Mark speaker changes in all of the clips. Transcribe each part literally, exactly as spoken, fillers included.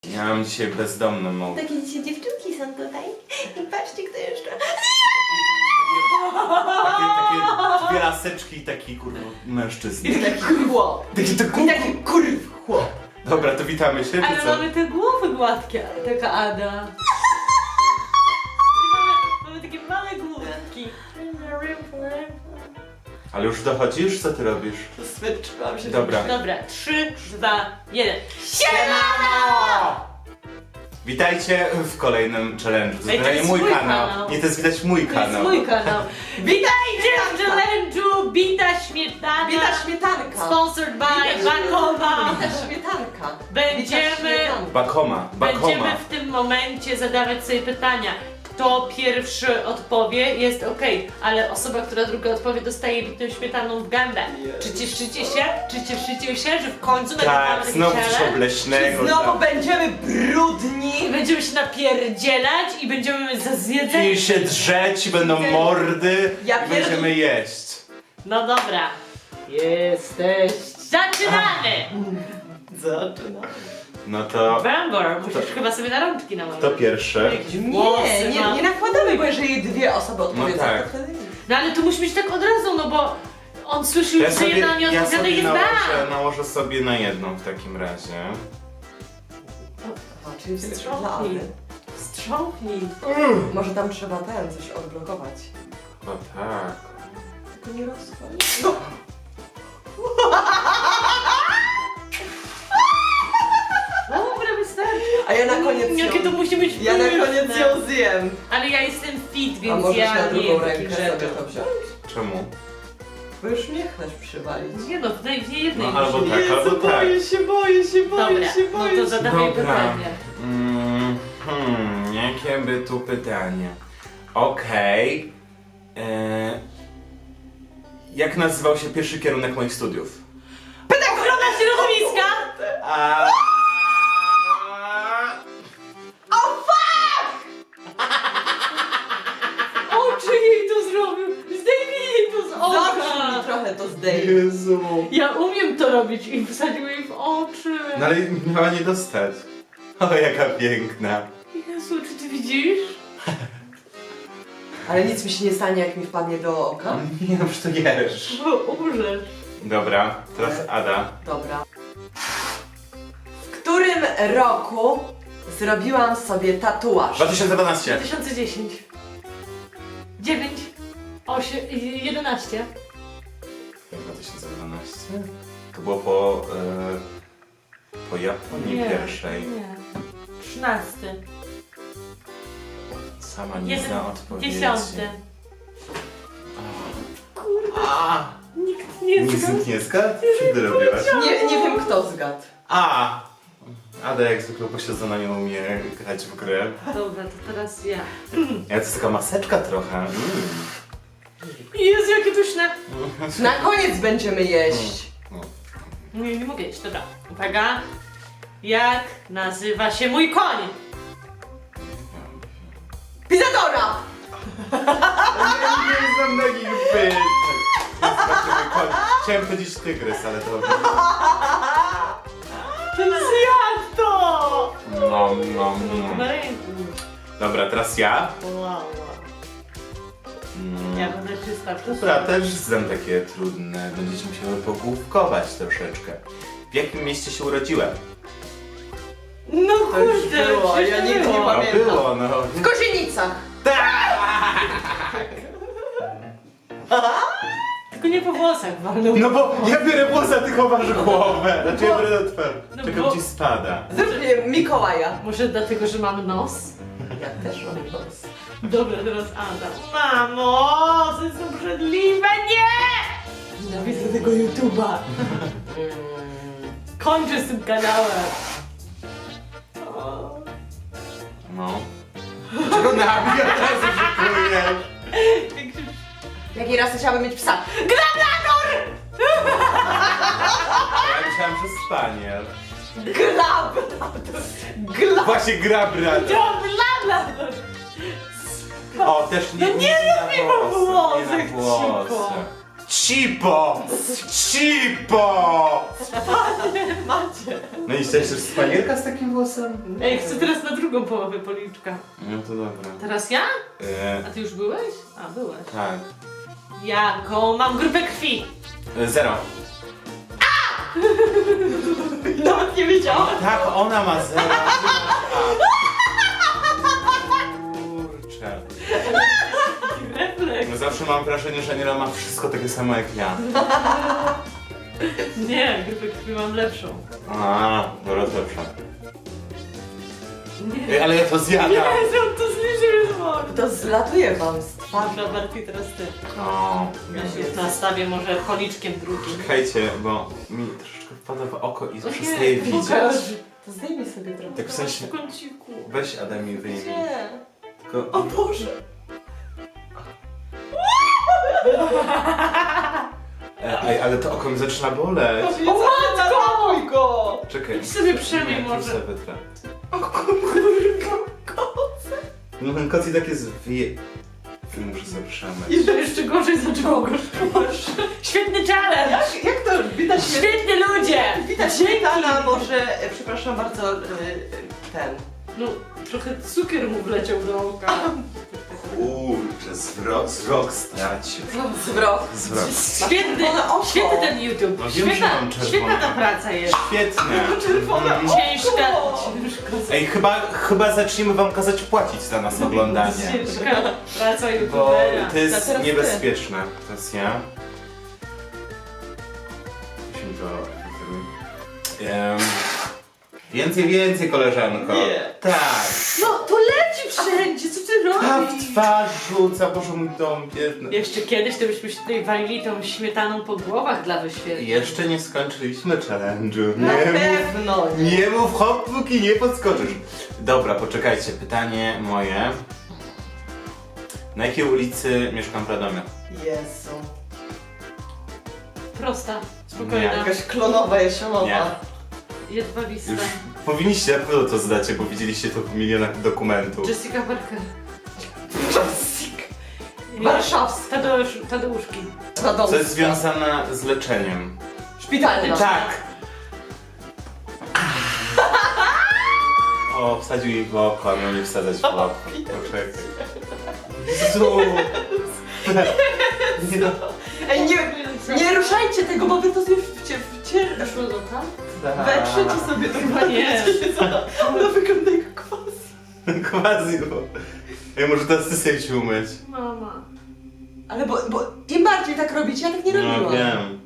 Speaker 1: Ja mam dzisiaj bezdomną mowę.
Speaker 2: Takie dzisiaj dziewczynki są tutaj. I patrzcie, kto jeszcze.
Speaker 1: Takie, takie dwie laseczki i taki kurwa mężczyzna.
Speaker 2: I taki chłop.
Speaker 1: Taki to
Speaker 2: I taki kurw chłop.
Speaker 1: Dobra, to witamy się, czy
Speaker 3: Ale
Speaker 1: co?
Speaker 3: mamy te głowy gładkie, taka Ada. mamy, mamy takie małe główki.
Speaker 1: Ale już dochodzisz? Co ty robisz?
Speaker 2: Smyczkałam się.
Speaker 1: Dobra.
Speaker 3: Dobra, trzy, dwa, jeden.
Speaker 1: Siemano! Witajcie w kolejnym challenge'u. To
Speaker 3: Ej, to
Speaker 1: jest
Speaker 3: jest
Speaker 1: mój
Speaker 3: mój
Speaker 1: kanał.
Speaker 3: kanał.
Speaker 1: Nie, to jest widać mój
Speaker 3: To jest
Speaker 1: kanał.
Speaker 3: mój kanał. Witajcie w challenge'u Bita Śmietana.
Speaker 2: Bita śmietanka.
Speaker 3: Sponsored by
Speaker 2: Bita
Speaker 3: Bakoma.
Speaker 2: Bita śmietanka.
Speaker 3: Będziemy,
Speaker 2: Bita śmietanka.
Speaker 1: Bakoma,
Speaker 3: będziemy
Speaker 1: Bakoma.
Speaker 3: w tym momencie zadawać sobie pytania. Kto pierwszy odpowie, jest ok, ale osoba, która druga odpowie, dostaje bitą śmietaną w gębę. Czy cieszycie się? Czy cieszycie się, że w końcu nagrywamy
Speaker 1: Tak,
Speaker 3: taki
Speaker 1: znowu coś
Speaker 3: challenge?
Speaker 1: obleśnego.
Speaker 2: Znowu
Speaker 1: tak.
Speaker 2: będziemy brudni.
Speaker 3: I będziemy się napierdzielać i będziemy za zjedzenie.
Speaker 1: I się drzeć, i będą mordy,
Speaker 2: Ja
Speaker 1: i będziemy
Speaker 2: pierd-
Speaker 1: jeść.
Speaker 3: No dobra. Jesteś. Zaczynamy!
Speaker 2: Zaczynamy.
Speaker 1: No to
Speaker 3: Bambor, musisz chyba sobie na rączki nałożyć.
Speaker 1: to pierwsze.
Speaker 3: Jakieś włosy
Speaker 2: Nie, nie,
Speaker 3: ma.
Speaker 2: nie nakładamy, bo jeżeli dwie osoby odpowiedzą,
Speaker 1: tak.
Speaker 2: to wtedy nie.
Speaker 3: No ale to musi być tak od razu, no bo on słyszy
Speaker 1: Ja
Speaker 3: już, że jedna nie
Speaker 1: ja
Speaker 3: odpowiada i
Speaker 1: sobie
Speaker 3: jest
Speaker 1: nałożę,
Speaker 3: bam!
Speaker 1: nałożę sobie na jedną w takim razie.
Speaker 2: A, czyli wstecz dla
Speaker 3: Strząknij.
Speaker 2: Ady.
Speaker 3: Wstrząknij.
Speaker 2: Może tam trzeba ten, coś odblokować.
Speaker 1: O tak.
Speaker 2: Tylko nie rozchodź.
Speaker 3: Dobra, wystarczy.
Speaker 2: A ja na koniec ją...
Speaker 3: Jakie to musi być
Speaker 2: Ja na
Speaker 3: pyszne.
Speaker 2: koniec ją zjem.
Speaker 3: Ale ja jestem fit,
Speaker 2: A
Speaker 3: więc
Speaker 2: możesz
Speaker 3: ja
Speaker 2: na
Speaker 3: nie
Speaker 2: drugą
Speaker 3: jem takich
Speaker 2: rękę sobie
Speaker 3: rzeczy.
Speaker 2: to wziąć?
Speaker 1: Czemu?
Speaker 2: Bo już mnie chcesz przywalić.
Speaker 3: Nie no, w tej- w nie jednej
Speaker 1: No albo
Speaker 3: musi.
Speaker 1: tak, albo tak.
Speaker 2: boję się, boję się, boję
Speaker 3: Dobra,
Speaker 2: się,
Speaker 3: no
Speaker 2: boję
Speaker 3: to
Speaker 2: się.
Speaker 3: zadawaj
Speaker 1: Dobra.
Speaker 3: pytanie.
Speaker 1: Mm, hmm, jakie by tu pytanie? Okej. E, Jak nazywał się pierwszy kierunek moich studiów?
Speaker 3: Ochrona środowiska!
Speaker 1: A...
Speaker 3: Oczy jej to zrobił! Zdejmij jej to z
Speaker 2: Zawsze mi
Speaker 3: oka!
Speaker 2: trochę to zdejmie.
Speaker 1: Jezu.
Speaker 3: Ja umiem to robić i wsadził jej w oczy.
Speaker 1: No ale miała nie dostać. O, jaka piękna.
Speaker 3: Jezu, czy ty widzisz?
Speaker 2: Ale nic mi się nie stanie, jak mi wpadnie do oka.
Speaker 1: Nie no, przecież to jesz.
Speaker 3: Bo umrzesz.
Speaker 1: Dobra, teraz Ada.
Speaker 2: Dobra. W którym roku zrobiłam sobie tatuaż?
Speaker 1: dwa tysiące
Speaker 3: dwa
Speaker 1: dwanaście.
Speaker 3: tysiące dziesięć. dziewięć. osiem. jedenaście.
Speaker 1: dwa tysiące dwanaście? To było po... E, po Japonii pierwszej.
Speaker 3: Nie. trzynasty.
Speaker 1: Sama nie
Speaker 3: Jeden-
Speaker 1: zna odpowiedzi.
Speaker 3: Dziesiąty.
Speaker 1: A,
Speaker 3: Nikt nie
Speaker 1: nic
Speaker 3: zna.
Speaker 1: nikt nie zgadł? Co ty robiłaś?
Speaker 2: Nie, nie wiem kto zgadł.
Speaker 1: A! Ada jak zwykle posiedzona nie umie grać w grę.
Speaker 3: Dobra, to teraz ja.
Speaker 1: Ja to jest taka maseczka trochę. Mm.
Speaker 3: Jezu, jakie pyszne.
Speaker 2: Na koniec będziemy jeść.
Speaker 3: Nie, nie mogę jeść, dobra. Uwaga. Jak nazywa się mój koń?
Speaker 2: Pizadora!
Speaker 1: Ja nie znam takich pytań. Zobaczymy, koń. Chciałem powiedzieć tygrys, ale to...
Speaker 3: To zjadł to!
Speaker 1: No, no,
Speaker 3: Na
Speaker 1: no.
Speaker 3: ręku.
Speaker 1: Dobra, teraz ja.
Speaker 3: Wow.
Speaker 1: Mm.
Speaker 3: Ja będę czysta.
Speaker 1: Dobra, też znam takie trudne. Będziecie musiały pogłówkować troszeczkę. W jakim mieście się urodziłem?
Speaker 3: No
Speaker 2: To już
Speaker 3: kurde,
Speaker 2: było,
Speaker 3: przecież
Speaker 2: ja
Speaker 3: to
Speaker 2: nigdy nie
Speaker 3: było.
Speaker 1: No
Speaker 2: pamiętam.
Speaker 1: było, no.
Speaker 2: W Kozienicach.
Speaker 3: Tylko nie po włosach walnął.
Speaker 1: No bo ja biorę włos, a ty chowasz głowę. Znaczy ja biorę na twarz.
Speaker 3: No
Speaker 1: Czekam,
Speaker 3: bo-
Speaker 1: ci spada.
Speaker 2: Zrób mnie Mikołaja.
Speaker 3: Może dlatego, że mam nos?
Speaker 2: Ja też mam nos.
Speaker 3: Dobra, teraz Ada. Mamo, to jest obrzydliwe, nie! Nienawidzę tego YouTube'a. Kończę z tym kanałem. O.
Speaker 1: No. Czego nabija teraz oczekuję?
Speaker 3: Jak się-
Speaker 2: Jakiej rasy chciałabym mieć psa?
Speaker 3: Grablador!
Speaker 1: Ja myślałem, że spaniel.
Speaker 2: Glab! Glab!
Speaker 1: Właśnie gra brat.
Speaker 3: Grablador!
Speaker 1: O, też nie,
Speaker 3: No nie
Speaker 1: na
Speaker 3: rób mi po
Speaker 1: włosy, nie
Speaker 3: włosach,
Speaker 1: na włosy.
Speaker 3: cicho.
Speaker 1: Cipo! Cipo!
Speaker 2: Macie.
Speaker 1: No i chcesz też spanielka z takim włosem?
Speaker 3: Ej, chcę teraz na drugą połowę policzka.
Speaker 1: No to dobra.
Speaker 3: Teraz ja?
Speaker 1: E,
Speaker 3: A ty już byłeś? A, byłeś.
Speaker 1: tak.
Speaker 3: Jaką mam grupę krwi?
Speaker 1: E, zero.
Speaker 2: Nawet nie wiedziałam.
Speaker 1: Tak, ona ma zero. Kurczę.
Speaker 3: Refleks.
Speaker 1: No zawsze mam wrażenie, że Aniela ma wszystko takie samo jak ja.
Speaker 3: Nie, grupę krwi mam lepszą.
Speaker 1: A, dobra, lepsza.
Speaker 3: Nie.
Speaker 1: Ej, ale ja to zjadam.
Speaker 3: Jezu, to zniżył wzrok.
Speaker 2: To zlatuje wam z twarzy.
Speaker 3: Dobra, Barty, teraz ty.
Speaker 1: O,
Speaker 3: Ja się nastawię może policzkiem drugim.
Speaker 1: czekajcie, bo mi troszeczkę wpada w oko i
Speaker 3: Ojej,
Speaker 1: przestaje widzieć.
Speaker 3: pokaż.
Speaker 2: To zdejmij sobie trochę.
Speaker 1: Tak w sensie,
Speaker 3: W kąciku.
Speaker 1: weź Adam i wyjmij.
Speaker 2: Nie.
Speaker 1: Tylko...
Speaker 2: O Boże.
Speaker 1: E, ej, ale to oko mi zaczyna boleć.
Speaker 2: O matko! go!
Speaker 1: Czekaj.
Speaker 3: Idź sobie przemij
Speaker 1: Nie, tu
Speaker 3: może.
Speaker 1: sobie wytrę.
Speaker 2: O kurwa, koce.
Speaker 1: No ten kot i tak jest wie... Muszę sobie przemyć.
Speaker 3: I że jeszcze gorzej zaczęło go szkodzić. Świetny challenge!
Speaker 2: Jak, jak to widać mnie?
Speaker 3: Świetni ludzie!
Speaker 2: Widać śmietana, może, e, przepraszam bardzo, e, e, ten.
Speaker 3: No, trochę cukier mu wleciał do oka.
Speaker 1: Kurczę, zwrok, wzrok stracił.
Speaker 2: Zwrot.
Speaker 1: Zwrok.
Speaker 3: Świetny,
Speaker 2: Czerwone oko.
Speaker 3: świetny ten YouTube.
Speaker 1: No wiem, że
Speaker 3: Świetna,
Speaker 1: mam czerwone.
Speaker 3: świetna ta praca jest.
Speaker 1: Świetnie.
Speaker 2: Czerwone
Speaker 1: Mhm.
Speaker 2: oko.
Speaker 3: Ciężka,
Speaker 2: O!
Speaker 3: ciężka,
Speaker 1: Ej, chyba, chyba zaczniemy wam kazać płacić za nas oglądanie.
Speaker 3: ciężka praca
Speaker 1: Bo
Speaker 3: YouTubera.
Speaker 1: to jest
Speaker 2: teraz ty.
Speaker 1: niebezpieczne. Teraz ja. Musimy to... Um, więcej, więcej, koleżanko.
Speaker 2: Nie.
Speaker 1: Tak.
Speaker 3: No, to leci wszędzie, co ty
Speaker 1: Ta
Speaker 3: robisz?
Speaker 1: w twarz rzuca, Boże mój dom biedny.
Speaker 3: Jeszcze kiedyś to byśmy się tutaj walili tą śmietaną po głowach dla wyświetleń.
Speaker 1: Jeszcze nie skończyliśmy challenge'u.
Speaker 2: Na
Speaker 1: Nie mów,
Speaker 2: pewno nie.
Speaker 1: nie mów hop, póki nie podskoczysz. Dobra, poczekajcie, pytanie moje. Na jakiej ulicy mieszkam w Radomiu?
Speaker 2: Jezu.
Speaker 3: Prosta,
Speaker 1: Nie.
Speaker 3: spokojna,
Speaker 2: Jakaś klonowa, jesionowa.
Speaker 1: Nie.
Speaker 3: jedwabista.
Speaker 1: Już powinniście na pewno to zdacie, bo widzieliście to w milionach dokumentów.
Speaker 3: Jessica Parker.
Speaker 2: Jessica. Warszawska.
Speaker 3: Tadeusz, Tadeuszki.
Speaker 1: Co jest związane z leczeniem?
Speaker 2: Szpitalna.
Speaker 1: Tak! O, wsadził jej w oko, miał nie wsadzać w oko. Poczekaj. Jezu! Nie no.
Speaker 2: Ej, nie, nie ruszajcie tego, bo wy to już wcie, wcie,
Speaker 3: Weszło do oka?
Speaker 2: wetrzecie sobie to
Speaker 3: Chyba nie.
Speaker 2: Ona wygląda jak quasi.
Speaker 1: Quasi, bo... Ej, może teraz ty sobie się umyć.
Speaker 3: Mama.
Speaker 2: Ale bo, bo im bardziej tak robicie, ja tak nie
Speaker 1: No
Speaker 2: robiłam.
Speaker 1: wiem.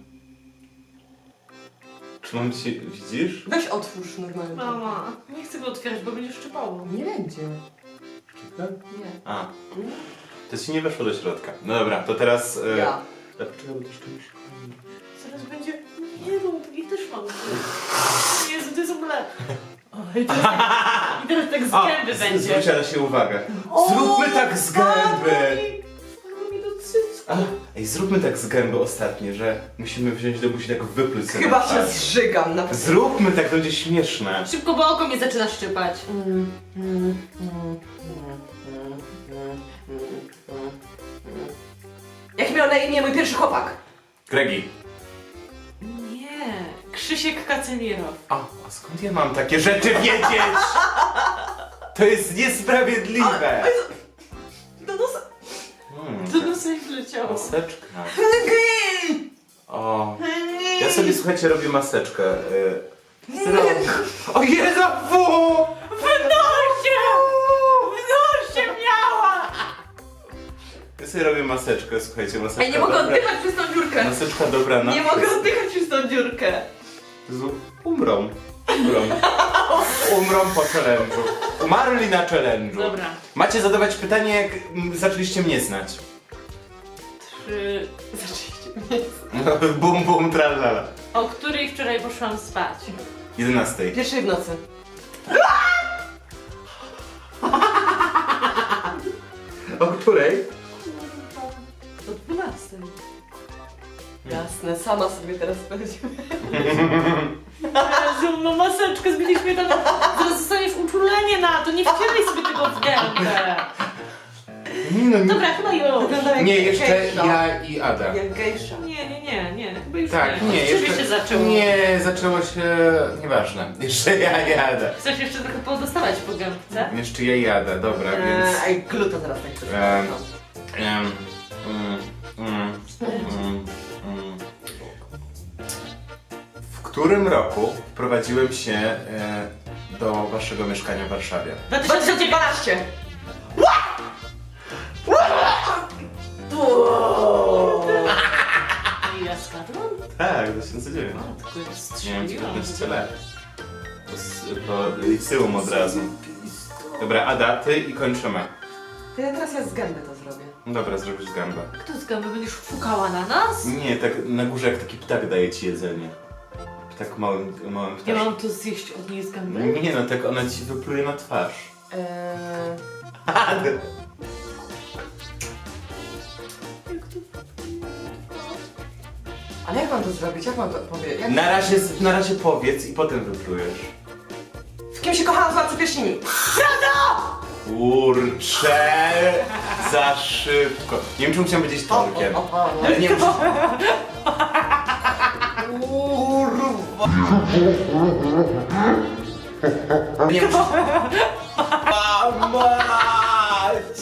Speaker 1: Czy mam ci... widzisz?
Speaker 2: Weź otwórz normalnie.
Speaker 3: Mama. Nie chcę go otwierać, bo będzie szczypało.
Speaker 2: Nie będzie.
Speaker 1: Czekaj.
Speaker 2: Nie.
Speaker 1: A. To ci nie weszło do środka. No dobra, to teraz... E...
Speaker 2: Ja.
Speaker 1: Ale poczekaj, bo to jeszcze muszę...
Speaker 3: Zaraz będzie... Nie rób, i też mam. Jezu, to jest w ogóle... O, i, teraz tak, I teraz tak z
Speaker 1: O,
Speaker 3: gęby
Speaker 1: z-
Speaker 3: będzie.
Speaker 1: Zwróćcie na siebie uwagę.
Speaker 2: O,
Speaker 1: Zróbmy tak z gęby!
Speaker 3: Wpadło mi do cycku.
Speaker 1: A, ej, zróbmy tak z gęby ostatnie, że musimy wziąć do buzi tak wypluć sobie
Speaker 2: Chyba
Speaker 1: na
Speaker 2: się
Speaker 1: twarz.
Speaker 2: zżygam na
Speaker 1: Zróbmy tak, to będzie śmieszne.
Speaker 3: Szybko, bo oko mnie zaczyna szczypać.
Speaker 2: Mm, mm, mm, mm, mm, mm, mm. Jak miał na imię mój pierwszy chłopak?
Speaker 1: Gregi.
Speaker 3: Nie. Krzysiek Kacemirow.
Speaker 1: A, a skąd ja mam takie rzeczy wiedzieć? To jest niesprawiedliwe.
Speaker 2: Do nosa.
Speaker 1: Hmm,
Speaker 3: To na sobie wleciało.
Speaker 1: maseczka. O, ja sobie, słuchajcie, robię maseczkę. y, O Jezu, fu!
Speaker 3: W nosie! W nosie miała!
Speaker 1: Ja sobie robię maseczkę, słuchajcie, maseczka
Speaker 2: Ej, nie mogę
Speaker 1: dobra.
Speaker 2: oddychać przez tą dziurkę.
Speaker 1: Maseczka dobra na
Speaker 2: Nie mogę oddychać przez tą dziurkę.
Speaker 1: Jezu, umrą. Umrą. Umrą po challenge'u. Umarli na challenge'u.
Speaker 3: Dobra.
Speaker 1: Macie zadawać pytanie, jak mm, zaczęliście mnie znać.
Speaker 3: Trzy...
Speaker 2: Zaczęliście mnie.
Speaker 1: Bum, bum, tralala.
Speaker 3: O której wczoraj poszłam spać?
Speaker 1: jedenastej.
Speaker 2: Pierwszej w nocy.
Speaker 1: O której?
Speaker 3: O dwunastej.
Speaker 2: Jasne, sama sobie teraz powiedziałem.
Speaker 3: Jezu, no maseczkę zmieniliśmy tam. Zaraz dostaniesz uczulenie na to, nie wcieraj sobie tego w gębę.
Speaker 1: no nie.
Speaker 3: Dobra, chyba już.
Speaker 2: Wygląda jak
Speaker 1: Nie, jeszcze
Speaker 2: gejsza.
Speaker 1: ja i Ada.
Speaker 2: Jak gejsza.
Speaker 3: Nie, nie, nie, nie, chyba już
Speaker 1: Tak,
Speaker 3: nie.
Speaker 1: nie,
Speaker 3: Od ciebie
Speaker 1: jeszcze...
Speaker 3: się zaczęło.
Speaker 1: Nie, zaczęło się... Nieważne. Jeszcze ja i Ada.
Speaker 3: Chcesz jeszcze trochę podostawać po gębce?
Speaker 1: Jeszcze ja i Ada, dobra, więc...
Speaker 2: Eee, Ej, gluta teraz tak coś.
Speaker 1: Em, em, mm, mm, mm, mm. W którym roku wprowadziłem się e, do waszego mieszkania w Warszawie?
Speaker 3: dwa
Speaker 2: dwa
Speaker 3: tysiące
Speaker 2: tysiące
Speaker 3: dziewiętnaście.
Speaker 2: dwanaście!
Speaker 3: Ja skadłam?
Speaker 1: Tak, dwa tysiące dziewięć.
Speaker 3: O, tylko jest
Speaker 1: Miałem
Speaker 3: strzeliłam.
Speaker 1: dziewiętnaście lat. Po, s- po liceum od razu. Dobra, Ada, ty i kończymy.
Speaker 2: To ja teraz ja z gęby to zrobię.
Speaker 1: No dobra, zrobisz gambę.
Speaker 3: Kto z gęby będziesz fukała na nas?
Speaker 1: Nie, tak na górze jak taki ptak daje ci jedzenie. Tak małym, małym
Speaker 3: Ja
Speaker 1: ptaszkiem.
Speaker 3: mam to zjeść od niej z gęby?
Speaker 1: Nie no, tak ona ci wypluje na twarz.
Speaker 2: Eee, ale jak mam to zrobić? Jak mam to powiedzieć? Jak...
Speaker 1: Na razie, na razie powiedz i potem wyplujesz.
Speaker 2: W kim się kochałam w Władcy Pierścieni?
Speaker 1: Kurczę, za szybko. Nie wiem, czy musiałem powiedzieć Tolkien.
Speaker 2: O, o, o, o.
Speaker 1: Ale nie wiem, czy... Kurwa. Nie wiem, czy... A, mać!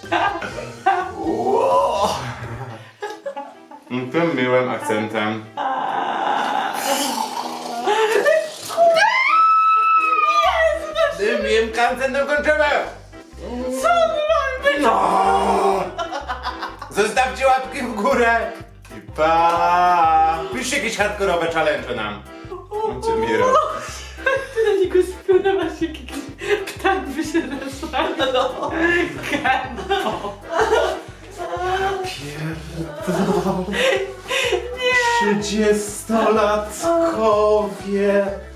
Speaker 1: Ło. Tym miłym akcentem. Tym miłym akcentem kończymy! Co mam być? No! Zostawcie łapki w górę! I pa! Piszcie jakieś hardkorowe challenge nam. Macie Miro.
Speaker 3: Ty na niego spionowasz jak jakiś ptak by się rozmawiał.
Speaker 2: No.
Speaker 3: Gębo.
Speaker 1: Trzydziestolatkowie.